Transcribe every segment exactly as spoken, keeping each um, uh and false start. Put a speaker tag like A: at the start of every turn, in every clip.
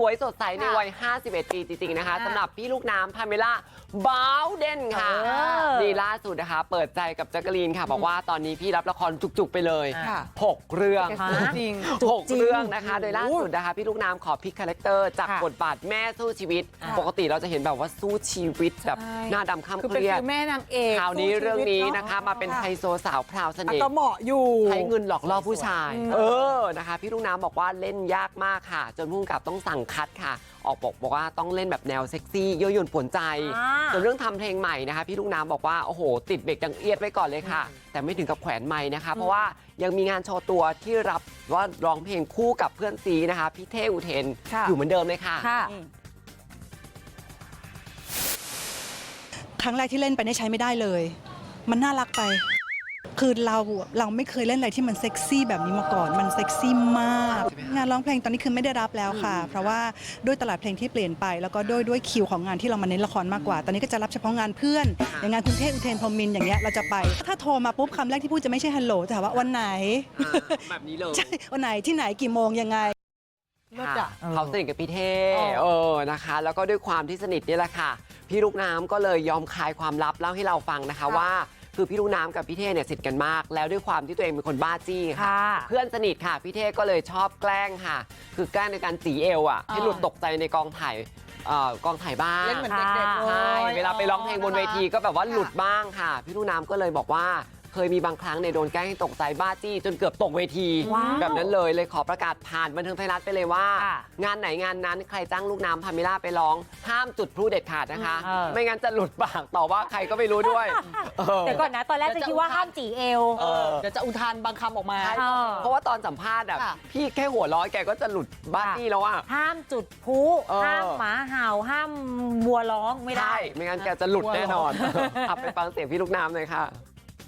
A: วยสดใสในวัยห้าสิบเอ็ดปีจริงๆนะคะสำหรับพี่ลูกน้ำพาเมล่าบาวเดนค่ะนี่ล่าสุดนะคะเปิดใจกับแจ๊กกะลีนค่ะบอกว่าตอนนี้พี่รับละครจุกๆไปเลยหกเรื่องจริงหกเรื่องนะคะโดยล่าสุดนะคะพี่ลูกน้ำขอพลิกคาแรคเตอร์จากบทบาทแม่สู้ชีวิตปกติเราจะเห็นแบบว่าสู้ชีวิตแบบหน้าดำข้ามเครียด
B: แม่นางเอก
A: คราวนี้เรื่องนี้นะคะมาเป็นไฮโซสาวพราวเสน่ห์
B: ก็เหมาะอยู่
A: ใช้เงินหลอกล่อผู้ชายเออนะคะพี่ลูกน้ำบอกว่าเล่นยากมากค่ะจนผู้กำกับต้องสั่งคัดค่ะออกบอกบอกว่าต้องเล่นแบบแนวเซ็กซี่ยั่วยวนป่วนใจส่วนเรื่องทำเพลงใหม่นะคะพี่ลูกน้ำบอกว่าโอ้โหติดเบรกดังเอียดไว้ก่อนเลยค่ะแต่ไม่ถึงกับแขวนไม้นะคะเพราะว่ายังมีงานโชว์ตัวที่รับว่าร้องเพลงคู่กับเพื่อนซีนะคะพี่เท่อุเทนอยู่เหมือนเดิมเลยค่ะ
C: ครั้งแรกที่เล่นไปได้ใช้ไม่ได้เลยมันน่ารักไปคือเราเราไม่เคยเล่นอะไรที่มันเซ็กซี่แบบนี้มาก่อนมันเซ็กซี่มากงานร้องเพลงตอนนี้คือไม่ได้รับแล้วค่ะเพราะว่าด้วยตลาดเพลงที่เปลี่ยนไปแล้วก็ด้วยด้วยคิวของงานที่เรามาเน้นละครมากกว่าตอนนี้ก็จะรับเฉพาะงานเพื่อนอย่างงานคุณเทพอุเทนพรหมินทร์อย่างเงี้ยเราจะไปถ้าโทรมาปุ๊บคำแรกที่พูดจะไม่ใช่ฮัลโหลแต่ว่าวันไหน
A: แบบนี้เลย
C: ใช่วันไหนที่ไหนกี่โมงยังไง
A: เขาสนิทกับพี่เท่เออนะคะแล้วก็ด้วยความที่สนิทนี่แหละค่ะพี่ลูกน้ำก็เลยยอมคลายความลับเล่าให้เราฟังนะคะว่าคือพี่ลูกน้ำกับพี่เท่เนี่ยสนิทกันมากแล้วด้วยความที่ตัวเองเป็นคนบ้าจี้ค่ะเพื่อนสนิทค่ะพี่เท่ก็เลยชอบแกล้งค่ะคือแกล้งในการจีเอวอ่ะให้หลุดตกใจในกองถ่ายกองถ่ายบ้าง
B: เล่นเหมือนเด็กๆ
A: ใช่เวลาไปร้องเพลงบนเวทีก็แบบว่าหลุดบ้างค่ะพี่ลูกน้ำก็เลยบอกว่าเคยมีบางครั้งในโดนแกล้งให้ตกใจบ้าจี้จนเกือบตกเวทีแบบนั้นเลยเลยขอประกาศผ่านบันเทิงไทยรัฐไปเลยว่างานไหนงานนั้นใครจ้างลูกน้ำพาเมล่าไปร้องห้ามจุดพลุเด็ดขาดนะคะไม่งั้นจะหลุดปากต่อว่าใครก็ไม่รู้ด้วย
D: แต่ก่อนนะตอนแรกจะคิดว่าห้ามจีเอว
B: เดี๋ยวจะอุทานบางคำออกมา
A: เพราะว่าตอนสัมภาษณ์อ่ะพี่แค่หัวร้อยแกก็จะหลุดบ้าจี้แล้วอ่ะ
D: ห้ามจุดพลุห้ามหมาเห่าห้ามวัวร้องไม่ได้
A: ไม่งั้นแกจะหลุดแน่นอนขับไปฟังเสียงพี่ลูกน้ำเลยค่ะ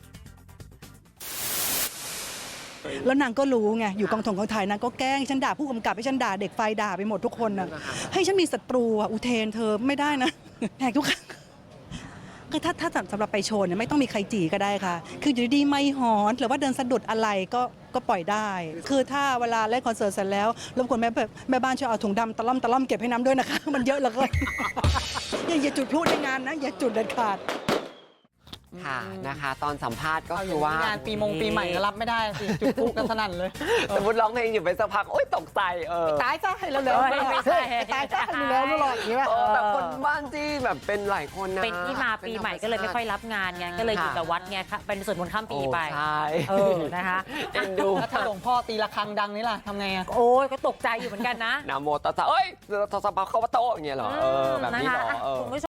C: แล้วนางก็รู้ไงอยู่กองถงกองถ่ายนางก็แกล้งฉันด่าผู้กำกับให้ฉันด่าเด็กไฟด่าไปหมดทุกคนนะให้ฉันมีศัตรูอ่ะอุเทนเธอไม่ได้นะแหกทุกครั้งคือถ้าถ้าสำหรับไปโชว์เนี่ยไม่ต้องมีใครจีก็ได้ค่ะคืออยู่ดีไม่หอนหรือว่าเดินสะดุดอะไรก็ก็ปล่อยได้คือถ้าเวลาเล่นคอนเสิร์ตเสร็จแล้วรบกวนแม่แม่บ้านช่วยเอาถุงดำตะล่อมตะล่อมเก็บให้น้ำด้วยนะคะมันเยอะเหลือเกินอย่าจุดพลุในงานนะอย่าจุดเด็ดขาด
A: ค่ะนะคะตอนสัมภาษณ์ก็คือว่าง
B: านปีมงปีใหม่ก็รับไม่ได้สิจุดพลุกันสนั่นเลย
A: สมมติร้องเพลงอยู่ไปสักพักโอ๊ยตกใจเออ
B: ตายจ้าให้เราเลยตายจ้าให้เราเลยหรอกอย่างนี้
A: แบบคนบ้านจี้แบบเป็นหลายคนนะ
D: เป็นที่มาปีใหม่ก็เลยไม่ค่อยรับงานไงก็เลยอยู่แต่วัดไงเป็นส่วนมนต์ข้ามปีไป
A: ใช่
D: เออนะคะ
A: เอ็นดู
B: ถ้าหลวงพ่อตีระฆังดังนี่ล่ะทำไงอ่ะ
D: โอ้ยก็ตกใจอยู่เหมือนกันนะ
A: นะโมตัสสะเอ้ยตัสสะภะคะวะโตอย่างเงี้ยเหรอเออแบบนี้เหรอ